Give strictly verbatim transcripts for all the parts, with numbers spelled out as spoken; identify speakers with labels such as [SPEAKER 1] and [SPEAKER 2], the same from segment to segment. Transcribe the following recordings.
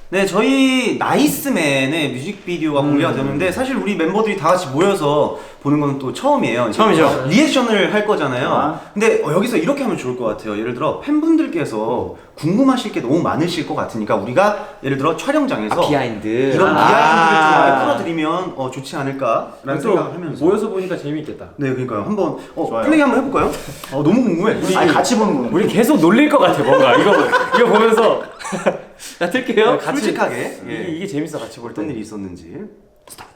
[SPEAKER 1] 네, 저희 나이스맨의 뮤직비디오가
[SPEAKER 2] 음.
[SPEAKER 1] 공개가 되는데 사실 우리 멤버들이 다 같이 모여서 보는 건 또 처음이에요.
[SPEAKER 2] 처음이죠.
[SPEAKER 1] 리액션을 할 거잖아요.
[SPEAKER 2] 아.
[SPEAKER 1] 근데 어, 여기서 이렇게 하면 좋을 것 같아요. 예를 들어 팬분들께서 궁금하실 게 너무 많으실 것 같으니까 우리가 예를 들어 촬영장에서
[SPEAKER 3] 아, 비하인드
[SPEAKER 1] 이런
[SPEAKER 3] 아.
[SPEAKER 1] 비하인드를 좀 많이 풀어드리면 어, 좋지 않을까라는 생각을 하면서
[SPEAKER 4] 모여서 보니까 재미있겠다.
[SPEAKER 1] 네, 그러니까요. 한번 어,
[SPEAKER 2] 좋아요.
[SPEAKER 1] 플레이 한번 해볼까요? 어, 너무 궁금해. 우리
[SPEAKER 2] 아니 같이 보는 거는
[SPEAKER 4] 우리 계속 놀릴 것 같아 뭔가 이거 이거 보면서
[SPEAKER 3] 나 틀게요.
[SPEAKER 4] 같이
[SPEAKER 1] 솔직하게
[SPEAKER 4] 이게,
[SPEAKER 1] 예.
[SPEAKER 4] 이게 재밌어 같이 볼 때.
[SPEAKER 1] 어떤 일이 있었는지. 스타트.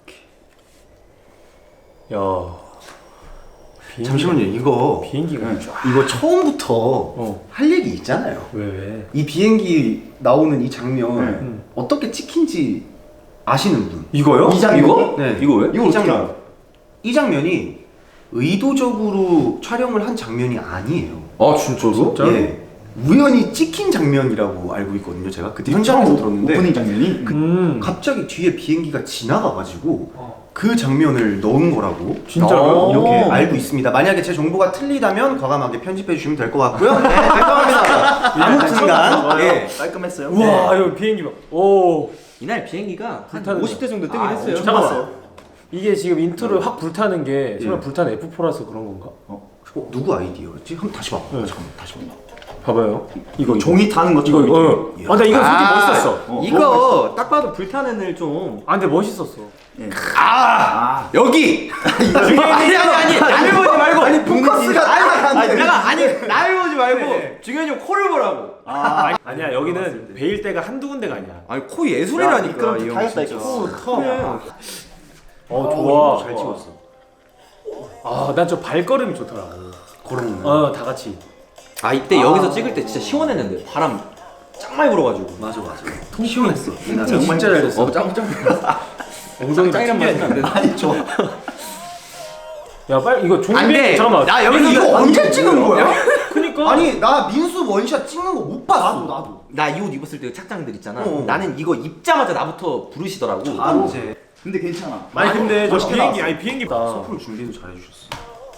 [SPEAKER 4] 야. 비행기,
[SPEAKER 1] 잠시만요. 이거
[SPEAKER 4] 비행기가 쫙.
[SPEAKER 1] 이거 처음부터
[SPEAKER 4] 어.
[SPEAKER 1] 할 얘기 있잖아요.
[SPEAKER 4] 왜 왜?
[SPEAKER 1] 이 비행기 나오는 이 장면
[SPEAKER 4] 음.
[SPEAKER 1] 어떻게 찍힌지 아시는 분?
[SPEAKER 4] 이거요?
[SPEAKER 2] 이 장면?
[SPEAKER 3] 이거?
[SPEAKER 1] 네.
[SPEAKER 3] 이거 왜?
[SPEAKER 2] 이거
[SPEAKER 1] 이
[SPEAKER 2] 어떻게
[SPEAKER 1] 장면.
[SPEAKER 2] 알아?
[SPEAKER 1] 이 장면이 의도적으로 촬영을 한 장면이 아니에요.
[SPEAKER 3] 아 진짜로?
[SPEAKER 4] 진짜?
[SPEAKER 1] 예. 우연히 찍힌 장면이라고 알고 있거든요. 제가 그때 현장에서 들었는데
[SPEAKER 2] 오프닝 장면이
[SPEAKER 4] 음.
[SPEAKER 1] 갑자기 뒤에 비행기가 지나가가지고
[SPEAKER 4] 어.
[SPEAKER 1] 그 장면을 넣은 거라고
[SPEAKER 4] 진짜로요?
[SPEAKER 1] 이렇게
[SPEAKER 2] 오.
[SPEAKER 1] 알고 있습니다. 만약에 제 정보가 틀리다면 과감하게 편집해 주시면 될 것 같고요. 네, 깔끔합니다. 아무튼간 예.
[SPEAKER 2] 깔끔했어요.
[SPEAKER 4] 우와 이거 비행기 봐. 오.
[SPEAKER 3] 이날 비행기가 한
[SPEAKER 4] 불타는
[SPEAKER 3] 오십 대 정도 뜨긴
[SPEAKER 2] 아,
[SPEAKER 3] 했어요.
[SPEAKER 2] 엄청
[SPEAKER 4] 잠깐만. 이게 지금 인트로 확 불타는 게 설마
[SPEAKER 1] 예.
[SPEAKER 4] 불타는 에프 포라서 그런 건가?
[SPEAKER 1] 어, 누구 아이디어였지? 한번 다시 봐.
[SPEAKER 4] 네.
[SPEAKER 1] 잠깐만 다시 봐.
[SPEAKER 4] 봐봐요. 이거
[SPEAKER 2] 종이 타는
[SPEAKER 4] 이거
[SPEAKER 2] 것처럼
[SPEAKER 4] 이거.
[SPEAKER 2] 이렇게.
[SPEAKER 4] 어. 아, 나 이거 솔직히
[SPEAKER 3] 아,
[SPEAKER 4] 멋있었어.
[SPEAKER 2] 어,
[SPEAKER 3] 이거 딱 봐도 불타는 애 좀.
[SPEAKER 4] 아, 근데 멋있었어.
[SPEAKER 2] 예.
[SPEAKER 3] 아 여기.
[SPEAKER 2] 이거
[SPEAKER 3] 아니 아니 아니 나를 보지 말고.
[SPEAKER 2] 아니 포커스가
[SPEAKER 3] 아니,
[SPEAKER 2] 아니
[SPEAKER 3] 내가 아니 나를 보지 말고
[SPEAKER 4] 네.
[SPEAKER 3] 중현이 형 코를 보라고.
[SPEAKER 2] 아,
[SPEAKER 4] 아니야 여기는 베일 때가 한두 군데가 아니야.
[SPEAKER 3] 아니 코 예술이라니까
[SPEAKER 2] 그럼
[SPEAKER 3] 이 형.
[SPEAKER 2] 다 했다
[SPEAKER 3] 진짜.
[SPEAKER 2] 이거.
[SPEAKER 3] 그래.
[SPEAKER 4] 어 좋아.
[SPEAKER 1] 잘 찍었어.
[SPEAKER 4] 아, 난 저 발걸음이 좋더라고.
[SPEAKER 1] 그런 거.
[SPEAKER 4] 어, 다 같이.
[SPEAKER 3] 아 이때 여기서 찍을 때 진짜 시원했는데 바람 짱 많이 불어가지고.
[SPEAKER 1] 맞아 맞아. 통 시원했어. 나
[SPEAKER 4] 진짜 잘 됐어.
[SPEAKER 3] 어 짱짱.
[SPEAKER 4] 엉덩이
[SPEAKER 3] 짱이란 말은 안 돼.
[SPEAKER 2] 아니 좋아.
[SPEAKER 4] 야, 빨리 이거 종이
[SPEAKER 3] 안 돼.
[SPEAKER 4] 잠깐만.
[SPEAKER 3] 나 여기서
[SPEAKER 1] 이거 언제 찍은 거야?
[SPEAKER 4] 그니까.
[SPEAKER 1] 아니 나 민수 원샷 찍는 거 못 봤어.
[SPEAKER 2] 나도 나도.
[SPEAKER 3] 나 이 옷 입었을 때 착장들 있잖아.
[SPEAKER 1] 어.
[SPEAKER 3] 나는 이거 입자마자 나부터 부르시더라고.
[SPEAKER 1] 아, 이제
[SPEAKER 2] 근데 괜찮아.
[SPEAKER 4] 아니 근데 저
[SPEAKER 2] 멋있게
[SPEAKER 4] 비행기
[SPEAKER 2] 나왔어.
[SPEAKER 4] 아니 비행기 다
[SPEAKER 1] 서프로 준비도 잘해주셨어.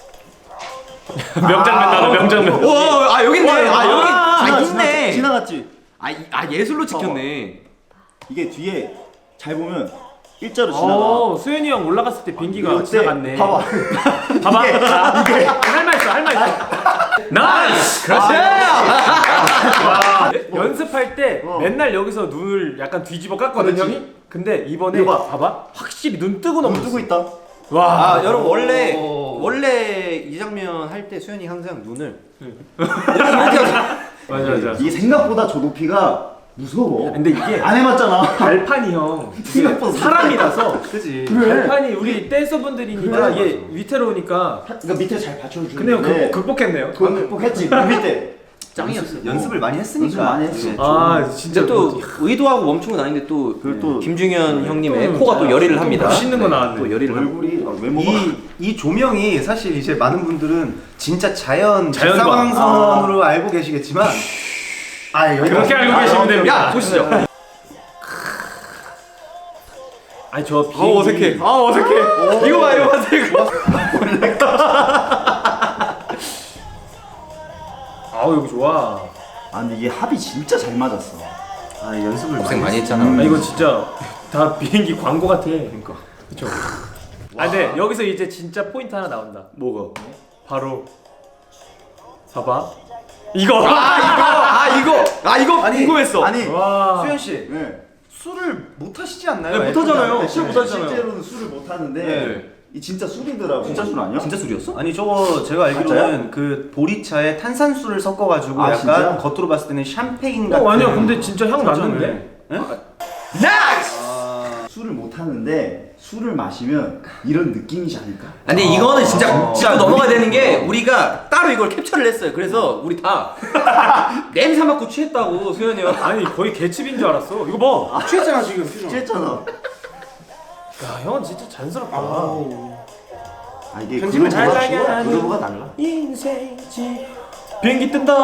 [SPEAKER 4] 명장면 나도 명장면.
[SPEAKER 3] 오, 아 여기 있네. 아 여기 아
[SPEAKER 2] 지나-
[SPEAKER 3] 있네.
[SPEAKER 2] 지나갔지.
[SPEAKER 3] 아, 이- 아 예술로 찍혔네.
[SPEAKER 2] 이게 뒤에 잘 보면 일자로 지나가.
[SPEAKER 4] 어, 수현이 형 올라갔을 때 비행기가
[SPEAKER 2] 이때
[SPEAKER 4] 지나갔네.
[SPEAKER 2] 봐봐.
[SPEAKER 4] 봐봐. 아, 할말 있어, 할 말 있어. 나이스. 그렇지. 와, 연습할 때
[SPEAKER 2] 어.
[SPEAKER 4] 맨날 여기서 눈을 약간 뒤집어 깠거든
[SPEAKER 2] 그렇지.
[SPEAKER 4] 형이. 근데 이번에
[SPEAKER 2] 이거 봐.
[SPEAKER 4] 봐봐. 확실히 눈 뜨고
[SPEAKER 2] 너무
[SPEAKER 4] 넘었어.
[SPEAKER 2] 뜨고 있다.
[SPEAKER 4] 와.
[SPEAKER 3] 아 여러분 원래
[SPEAKER 1] 오.
[SPEAKER 3] 원래 이 장면 할 때 수현이 항상 눈을
[SPEAKER 4] 맞아 맞아.
[SPEAKER 2] 이게 생각보다 저 높이가 무서워.
[SPEAKER 4] 근데 이게
[SPEAKER 2] 안 해봤잖아.
[SPEAKER 4] 발판이 형 이게
[SPEAKER 2] 생각보다
[SPEAKER 4] 사람이라서
[SPEAKER 1] 그지.
[SPEAKER 4] 발판이 우리 댄서분들이니까
[SPEAKER 2] 그래,
[SPEAKER 4] 이게 위태로우니까.
[SPEAKER 2] 그러니까 밑에 잘 받쳐주는.
[SPEAKER 4] 근데 형 극복, 극복했네요.
[SPEAKER 2] 그거 극복했지. 그 밑에.
[SPEAKER 3] 짱이었어.
[SPEAKER 1] 연습을 많이 했으니까.
[SPEAKER 2] 연습 많이 했어.
[SPEAKER 1] 네.
[SPEAKER 4] 아 진짜
[SPEAKER 3] 진짜 또 의도하고 멈춘 건 아닌데 또
[SPEAKER 2] 그리고 또
[SPEAKER 3] 김중현 형님의
[SPEAKER 4] 또
[SPEAKER 3] 코가 또 열의를 합니다.
[SPEAKER 4] 멋있는 거 나왔네.
[SPEAKER 3] 또 열의를 합니다.
[SPEAKER 2] 얼굴이 아, 외모가.
[SPEAKER 1] 이, 이 조명이 사실 이제 많은 분들은 진짜 자연
[SPEAKER 4] 자연광.
[SPEAKER 1] 직사광선으로 알고 계시겠지만 아 여기
[SPEAKER 4] 그렇게 알고 계시면 됩니다.
[SPEAKER 3] 야 보시죠.
[SPEAKER 4] 아니 저
[SPEAKER 3] 아
[SPEAKER 4] 비행기
[SPEAKER 3] 어색해. 아 어색해. 이거 봐 이거 봐 이거.
[SPEAKER 4] 아우 여기 좋아.
[SPEAKER 2] 아 근데 이게 합이 진짜 잘 맞았어.
[SPEAKER 1] 아 연습을
[SPEAKER 3] 고생 많이
[SPEAKER 1] 했어.
[SPEAKER 3] 했잖아.
[SPEAKER 4] 아 이거 진짜 다 비행기 광고 같아. 그러니까. 그렇죠. 아 근데 여기서 이제 진짜 포인트 하나 나온다.
[SPEAKER 3] 뭐가?
[SPEAKER 4] 바로 봐봐. 이거.
[SPEAKER 3] 아 이거 아 이거 아 이거
[SPEAKER 1] 아니,
[SPEAKER 3] 궁금했어.
[SPEAKER 2] 아니.
[SPEAKER 4] 와.
[SPEAKER 1] 수현 씨
[SPEAKER 2] 네.
[SPEAKER 1] 술을 못 하시지 않나요?
[SPEAKER 3] 네, 못 하잖아요.
[SPEAKER 1] 네,
[SPEAKER 3] 술
[SPEAKER 1] 네.
[SPEAKER 3] 못 하잖아요.
[SPEAKER 2] 실제로는 술을 못 하는데
[SPEAKER 1] 네.
[SPEAKER 2] 이 진짜 술이더라고.
[SPEAKER 3] 진짜 술
[SPEAKER 2] 아니야?
[SPEAKER 3] 진짜 술이었어?
[SPEAKER 1] 아니 저거 제가 알기로는 그 보리차에 탄산수를 섞어가지고
[SPEAKER 2] 아,
[SPEAKER 1] 약간
[SPEAKER 2] 진짜?
[SPEAKER 1] 겉으로 봤을 때는 샴페인 같은.
[SPEAKER 4] 어 아니야 근데 진짜 향
[SPEAKER 1] 설정을.
[SPEAKER 4] 났는데.
[SPEAKER 1] 네?
[SPEAKER 3] 나이스.
[SPEAKER 1] 아,
[SPEAKER 2] 술을 못 하는데 술을 마시면 이런 느낌이지 않을까?
[SPEAKER 3] 아니 이거는 진짜
[SPEAKER 1] 어.
[SPEAKER 3] 짚고 넘어가야 되는 게 우리가 따로 이걸 캡처를 했어요. 그래서 우리 다 냄새 맡고 취했다고 수현이 형.
[SPEAKER 4] 아니 거의 개집인 줄 알았어. 이거 봐.
[SPEAKER 1] 취했잖아 지금 표정.
[SPEAKER 2] 취했잖아.
[SPEAKER 4] 야 형은 진짜 잔스럽다.
[SPEAKER 2] 아 이게
[SPEAKER 4] 편집을 잘
[SPEAKER 2] 그루브가
[SPEAKER 4] 짜게
[SPEAKER 2] 좋아.
[SPEAKER 4] 하는
[SPEAKER 2] 그루브가 달라.
[SPEAKER 4] 인생지 비행기 뜬다.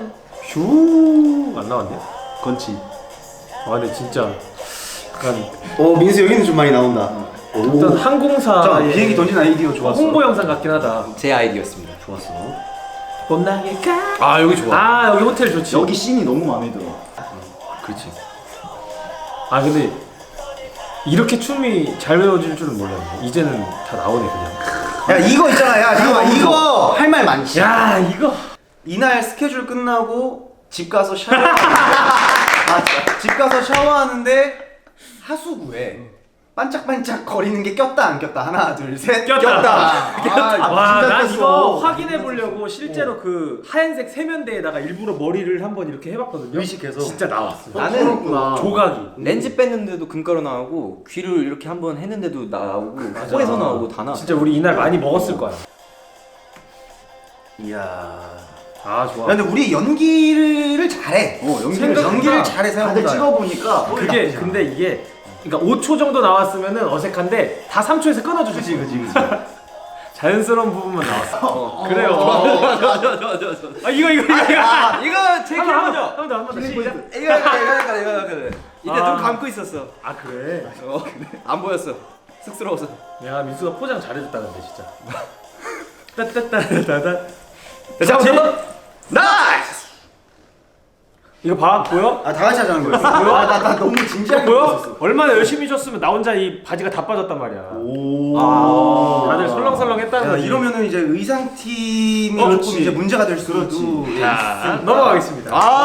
[SPEAKER 4] 슈안 나왔네.
[SPEAKER 2] 건치.
[SPEAKER 4] 아 근데 진짜 약간
[SPEAKER 1] 어 민수 여기는 좀 많이 나온다.
[SPEAKER 4] 어떤 항공사
[SPEAKER 1] 자 비행기 던진 아이디어 좋았어.
[SPEAKER 4] 홍보 영상 같긴 하다.
[SPEAKER 3] 제 아이디어였습니다.
[SPEAKER 1] 좋았어.
[SPEAKER 4] 봄나게 가.
[SPEAKER 3] 아 여기 좋아.
[SPEAKER 4] 아 여기 호텔 좋지.
[SPEAKER 2] 여기 씬이 너무 마음에 들어.
[SPEAKER 1] 그렇지.
[SPEAKER 4] 아 근데 이렇게 춤이 잘 외워질 줄은 몰랐네. 이제는 다 나오네 그냥.
[SPEAKER 1] 야 이거 있잖아. 야 잠깐만 이거 할 말 많지.
[SPEAKER 4] 야 이거
[SPEAKER 1] 이날 스케줄 끝나고 집 가서 샤워. 아, 집 가서 샤워하는데 하수구에 반짝반짝 거리는 게 꼈다 안 꼈다. 하나 둘 셋.
[SPEAKER 4] 꼈다.
[SPEAKER 2] 아,
[SPEAKER 4] 와, 난
[SPEAKER 2] 꼈어.
[SPEAKER 4] 이거 확인해 보려고 실제로 그 하얀색 세면대에다가 일부러 머리를 한번 이렇게 해봤거든요.
[SPEAKER 1] 의식해서.
[SPEAKER 4] 진짜 나왔어.
[SPEAKER 3] 나는
[SPEAKER 2] 그렇구나.
[SPEAKER 4] 조각이.
[SPEAKER 3] 렌즈 뺐는데도 금가루 나오고 귀를 이렇게 한번 했는데도 나오고 코에서 나오고 다 나.
[SPEAKER 4] 진짜 우리 이날 많이 먹었을 거야.
[SPEAKER 1] 이야.
[SPEAKER 4] 아 좋아.
[SPEAKER 1] 야, 근데 우리 연기를 잘해.
[SPEAKER 2] 어, 연기를
[SPEAKER 1] 생각- 연기를
[SPEAKER 2] 잘해.
[SPEAKER 1] 잘해
[SPEAKER 2] 다들
[SPEAKER 1] 생각보다.
[SPEAKER 2] 찍어보니까
[SPEAKER 4] 그게 근데 이게 그러니까 오 초 정도 나왔으면은 어색한데 다 삼 초에서 끊어주지.
[SPEAKER 1] 그치 그치 그치.
[SPEAKER 4] 자연스러운 부분만 나왔어.
[SPEAKER 3] 어.
[SPEAKER 4] 그래요.
[SPEAKER 3] 좋아 좋아 좋아 좋아.
[SPEAKER 4] 아 이거 이거 이거.
[SPEAKER 3] 아 이거 제
[SPEAKER 4] 한번
[SPEAKER 3] 기분이죠.
[SPEAKER 4] 한번 더 한 번 더 시작.
[SPEAKER 3] 이거 이거 이거 이거 이거 이거. 이때
[SPEAKER 4] 아.
[SPEAKER 3] 눈 감고 있었어.
[SPEAKER 4] 아 그래.
[SPEAKER 3] 어, 안 보였어. 쑥스러워서.
[SPEAKER 4] 야 민수가 포장 잘해줬다 근데 진짜. 따따따따따.
[SPEAKER 3] 자, 한번 나이스.
[SPEAKER 4] 이거 봐 보여?
[SPEAKER 1] 아 다 같이 하자는 거였어. 아, 나, 나 너무
[SPEAKER 4] 이거
[SPEAKER 1] 진지하게
[SPEAKER 4] 보여?
[SPEAKER 1] 봤었어.
[SPEAKER 4] 얼마나 열심히 줬으면 나 혼자 이 바지가 다 빠졌단 말이야.
[SPEAKER 2] 오.
[SPEAKER 4] 아, 다들 설렁설렁했다는
[SPEAKER 1] 야,
[SPEAKER 4] 거지.
[SPEAKER 1] 이러면은 이제 의상 팀이
[SPEAKER 4] 어,
[SPEAKER 1] 조금
[SPEAKER 4] 그렇지.
[SPEAKER 1] 이제 문제가 될 수도
[SPEAKER 2] 그렇지.
[SPEAKER 1] 있으니까.
[SPEAKER 4] 자, 넘어가겠습니다.
[SPEAKER 3] 아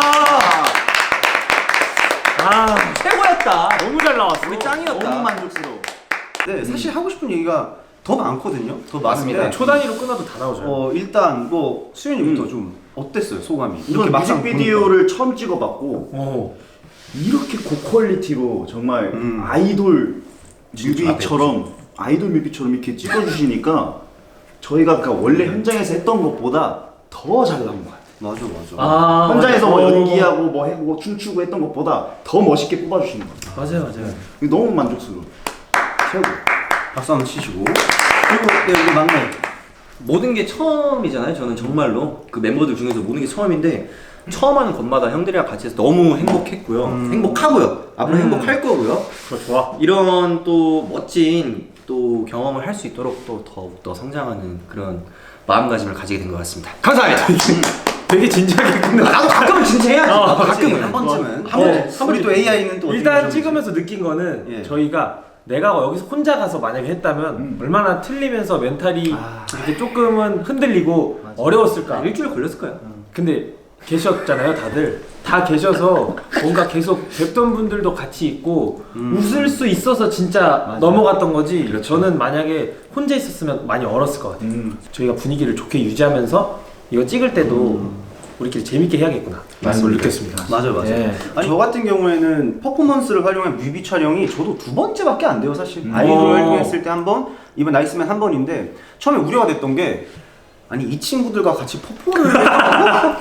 [SPEAKER 4] 아,
[SPEAKER 3] 최고였다.
[SPEAKER 4] 너무 잘 나왔어.
[SPEAKER 3] 우리 짱이었다.
[SPEAKER 2] 너무 만족스러워.
[SPEAKER 1] 네, 사실 하고 싶은 얘기가 더 많거든요. 더
[SPEAKER 3] 맞습니다.
[SPEAKER 1] 많은데
[SPEAKER 4] 초 단위로 끊어도 다 나오죠.
[SPEAKER 1] 어 일단 뭐 수현이부터
[SPEAKER 2] 음.
[SPEAKER 1] 좀 어땠어요 소감이?
[SPEAKER 2] 이건
[SPEAKER 1] 막상
[SPEAKER 2] 뮤직비디오를 처음 찍어봤고
[SPEAKER 4] 오.
[SPEAKER 2] 이렇게 고퀄리티로 정말
[SPEAKER 1] 음.
[SPEAKER 2] 아이돌
[SPEAKER 1] 진짜
[SPEAKER 2] 뮤비처럼 아이돌 뮤비처럼 이렇게 찍어주시니까 저희가 그러니까 원래 현장에서 했던 것보다 더 잘 나온 것 같아요.
[SPEAKER 1] 맞아 맞아.
[SPEAKER 4] 아,
[SPEAKER 2] 현장에서 뭐
[SPEAKER 4] 맞아.
[SPEAKER 2] 연기하고 뭐 해고 춤추고 했던 것보다 더 멋있게 뽑아주시는 것 같아요.
[SPEAKER 4] 맞아요, 맞아요.
[SPEAKER 2] 이거 너무 만족스러워. 최고.
[SPEAKER 1] 박수 한번 치시고. 그리고 네, 우리 막내.
[SPEAKER 3] 모든 게 처음이잖아요. 저는 정말로 그 멤버들 중에서 모든 게 처음인데 처음 하는 것마다 형들이랑 같이 해서 너무 행복했고요.
[SPEAKER 1] 음.
[SPEAKER 3] 행복하고요. 앞으로
[SPEAKER 4] 음.
[SPEAKER 3] 행복할 거고요.
[SPEAKER 4] 그거 좋아.
[SPEAKER 3] 이런 또 멋진 또 경험을 할 수 있도록 또 더욱더 성장하는 그런 마음가짐을 가지게 된 것 같습니다. 감사합니다.
[SPEAKER 4] 되게 진지하게 끝내.
[SPEAKER 3] 나도 가끔은 진짜 해야지.
[SPEAKER 4] 어,
[SPEAKER 3] 나도
[SPEAKER 1] 그렇지,
[SPEAKER 3] 가끔은
[SPEAKER 1] 한 번쯤은.
[SPEAKER 4] 한 번, 한
[SPEAKER 1] 우리 또 에이아이는 또
[SPEAKER 4] 일단
[SPEAKER 1] 어떻게
[SPEAKER 4] 찍으면서 느낀 거는
[SPEAKER 1] 예.
[SPEAKER 4] 저희가 내가 여기서 혼자 가서 만약에 했다면
[SPEAKER 2] 음.
[SPEAKER 4] 얼마나 틀리면서 멘탈이
[SPEAKER 1] 아.
[SPEAKER 4] 이렇게 조금은 흔들리고 어려웠을까.
[SPEAKER 3] 일주일 걸렸을 거야.
[SPEAKER 4] 근데 계셨잖아요 다들 다 계셔서 뭔가 계속 뵙던 분들도 같이 있고
[SPEAKER 1] 음.
[SPEAKER 4] 웃을 수 있어서 진짜
[SPEAKER 2] 맞아.
[SPEAKER 4] 넘어갔던 거지.
[SPEAKER 3] 그렇죠.
[SPEAKER 4] 저는 만약에 혼자 있었으면 많이 얼었을 것 같아요.
[SPEAKER 2] 음.
[SPEAKER 4] 저희가 분위기를 좋게 유지하면서 이거 찍을 때도 우리끼리 재밌게 해야겠구나 라는 걸 느꼈습니다.
[SPEAKER 1] 맞아요, 맞아요.
[SPEAKER 4] 예.
[SPEAKER 1] 아니, 저 같은 경우에는 퍼포먼스를 활용한 뮤비 촬영이 저도 두 번째밖에 안 돼요, 사실.
[SPEAKER 2] 음.
[SPEAKER 1] 아이돌
[SPEAKER 4] 오.
[SPEAKER 1] 활동했을 때 한 번, 이번 나이스맨 한 번인데 처음에 우려가 됐던 게 아니 이 친구들과 같이 퍼포를 했다고?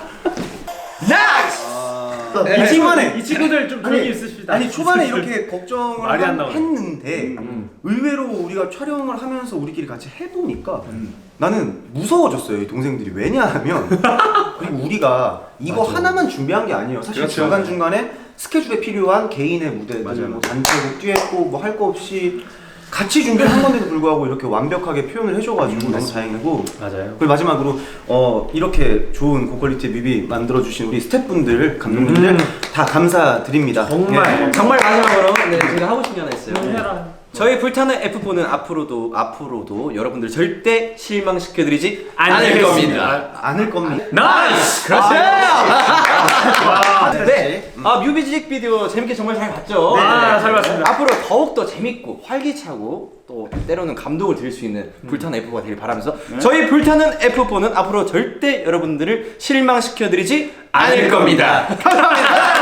[SPEAKER 3] 나이스!
[SPEAKER 1] 이 친구만에
[SPEAKER 4] 이 친구들 좀 조용히 있으십시다.
[SPEAKER 1] 아니 초반에 이렇게 걱정을
[SPEAKER 4] 말이 안
[SPEAKER 1] 한-
[SPEAKER 4] 나오네.
[SPEAKER 1] 했는데
[SPEAKER 4] 음.
[SPEAKER 1] 의외로 우리가 촬영을 하면서 우리끼리 같이 해보니까
[SPEAKER 2] 음.
[SPEAKER 1] 나는 무서워졌어요 이 동생들이. 왜냐하면 그리고 우리가 이거
[SPEAKER 3] 맞아.
[SPEAKER 1] 하나만 준비한 게 아니에요. 사실
[SPEAKER 2] 그렇죠.
[SPEAKER 1] 중간중간에 스케줄에 필요한 개인의 무대들
[SPEAKER 2] 맞아요.
[SPEAKER 1] 뭐 단체곡 듀엣곡 뭐 할 거 없이 같이 준비를 한 건데도 불구하고 이렇게 완벽하게 표현을 해줘가지고 너무 다행이고,
[SPEAKER 4] 맞아요.
[SPEAKER 1] 그리고 마지막으로 어 이렇게 좋은 고퀄리티 뮤비 만들어주신 우리 스태프분들 감독님들
[SPEAKER 4] 음.
[SPEAKER 1] 다 감사드립니다.
[SPEAKER 4] 정말.
[SPEAKER 1] 예.
[SPEAKER 3] 정말 마지막으로 네, 제가 하고 싶은 게 하나 있어요.
[SPEAKER 4] 좀 해라.
[SPEAKER 3] 저희 불타는 에프포는 앞으로도 앞으로도 여러분들 절대 실망시켜드리지 않을
[SPEAKER 4] 않겠습니다.
[SPEAKER 3] 겁니다.
[SPEAKER 1] 않을 겁니다.
[SPEAKER 4] 나이스!
[SPEAKER 3] 그렇죠.
[SPEAKER 1] 아,
[SPEAKER 3] 네. 아 뮤직비디오 재밌게 정말 잘 봤죠.
[SPEAKER 4] 네, 아, 잘 봤습니다.
[SPEAKER 3] 앞으로 더욱 더 재밌고 활기차고 또 때로는 감동을 드릴 수 있는 불타는 에프포가 되길 바라면서 저희 불타는 에프포는 앞으로 절대 여러분들을 실망시켜드리지 않을 겁니다. 감사합니다.